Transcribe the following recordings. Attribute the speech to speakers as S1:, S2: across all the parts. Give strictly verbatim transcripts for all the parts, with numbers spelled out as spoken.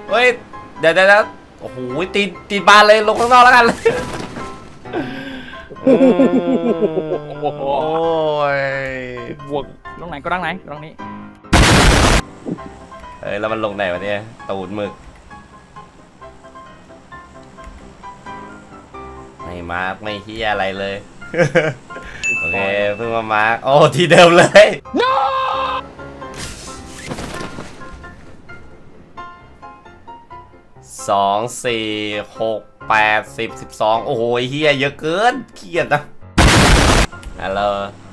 S1: เฮ้ยเดี๋ยวเดี๋ยวโอ้โหตีตีบานเลยลงข้างนอกแล้วกันโอ้ย
S2: บวกตรงไหนก็ตรงไหนตรงนี้
S1: เฮ้ยแล้วมันลงไหนวะเนี่ยตูดหมึกไม่มาร์กไม่เฮียอะไรเลยโอเคเพิ่งมามาร์กโอ้ที่เดิมเลย no! สองสี่หกแปดสิบสิบสองโอ้โหเฮียเยอะเกินเครียดนะฮัลโหล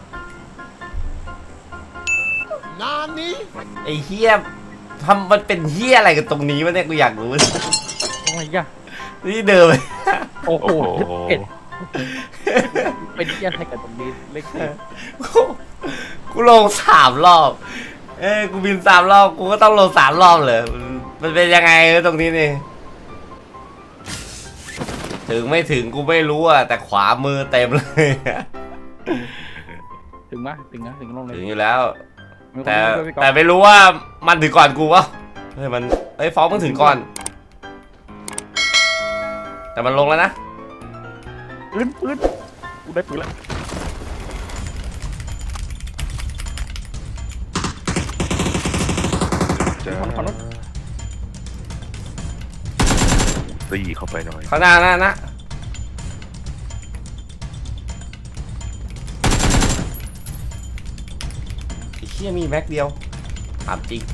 S1: นานนี้ไอ้เฮียทำมันเป็นเฮียอะไรกันตรงนี้วะเนี่ยกูอยากรู้
S2: ตรงไหนกัน
S1: นี่เดิม
S2: โอ้โหเป็นเฮียอะไรกันตรงนี้เล็ก
S1: กูลงสามรอบเอ้กูบินสามรอบกูก็ต้องลงสามรอบเลยมันเป็นยังไงตรงนี้นี่ถึงไม่ถึงกูไม่รู้อะแต่ขวามือเต็มเลย
S2: ถึงไหมถึงนะถึงลงเลย
S1: ถึงอยู่แล้วแต่แต่ไม่รู้ว่ามันถึงก่อนกูวะเฮ้ยมันเฮ้ยฟองมึงถึงก่อนแต่มันลงแล้วนะ
S2: ปืนปืนกูได้ปืนแล้ว
S3: ตีเข้าไปหน่อย
S1: ข้างหน้าหน้านะไอ้เหี้ยมีแม็กเดียวถามจริง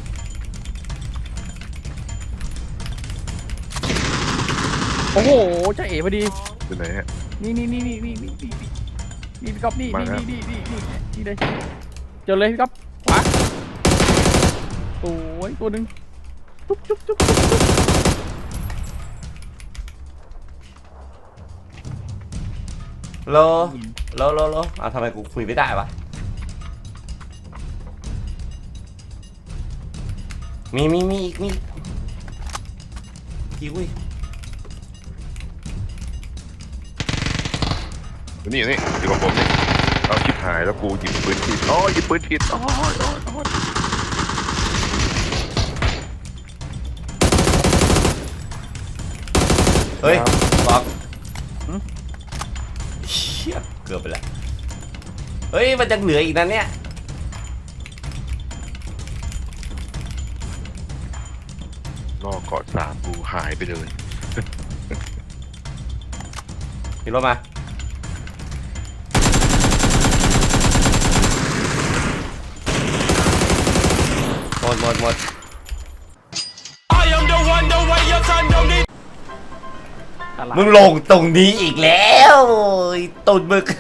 S2: โอ้โหจะเอ๋พอดี
S3: เป็นไหนฮะ
S2: นี่นี่นี่นี่นี่นี่นี่นี่พี่ก๊อฟนี่นี่นี่นี่นี่นี่นี่เลยเจอเลยพี่ก๊อฟขวาโอ้ยตัวหนึ่งจุ๊บจุ๊บจุ๊บ
S1: โลโลโลโลอ่ะทำไมกูคุยไม่ได้วะมีมีมีอีกมีกี่วิ
S3: นี่นี่อยู่กับผมนี่เอาชิบหายแล้วกูหยิบปืนผิดอ๋อหยิบปืนผิดอ๋ออ๋ออ๋อ
S1: เฮ้ยบอกเชี่ยเกือบไปแล้วเฮ้ยมันจะเหลืออีกนะเนี่ย
S3: นอกเกาะสามกูหายไปเลย
S1: ขี่รถมาหมดหมดหมดมึงลงตรงนี้อีกแล้วตุ่นมึก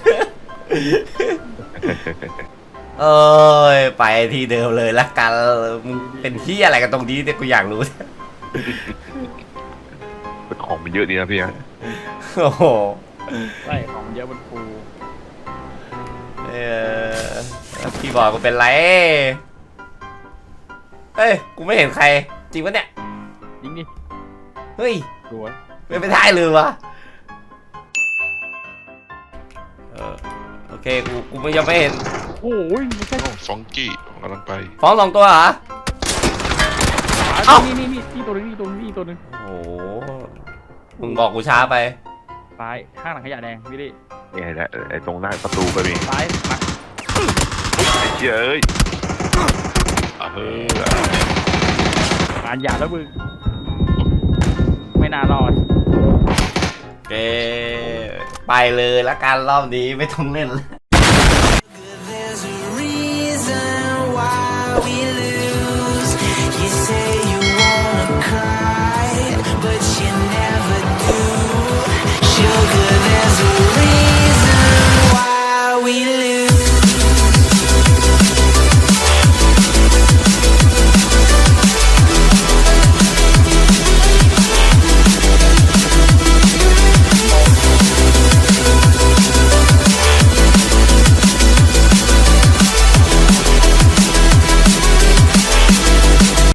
S1: เอ้ยไปที่เดิมเลยละกันมึงเป็นที่อะไรกันตรงนี้เนี่ยกูอยากรู้
S3: เป็นของมันเยอะดีนะพี่ฮะ
S1: โอ้โห
S2: ใช่ของเยอะบนภู
S1: เออพี่บอกกูเป็นไรเฮ้ยกูไม่เห็นใครจริงปะเนี่ย
S2: จริงดิ
S1: เฮ้ย
S2: ดูวะ
S1: ไม่ไปได้เลยวะเออโอเคกูกูไม่ยังไม่เห็น
S2: โอ้ยไม่ใช่
S3: สองกี้กำลังไป
S1: ฟ้องสองตัวเหรอ
S2: เอ้านี่นี่นี่นี่ตัวนึงนี่ตัวนึงนี่ตัวนึง
S1: โอ้มึงบอกกูช้าไป
S2: ซ้ายข้างหลังขยะแดงพี่ดิ
S3: นี่แหละไอ้ตรงหน้าประตูไปมี
S2: ซ้ายมา
S3: ไอ้เจ้ยเอ
S2: องานหยาบแล้วมึงไม่น่ารอด
S1: เกไปเลยละกันรอบนี้ไม่ต้องเล่นแล้ว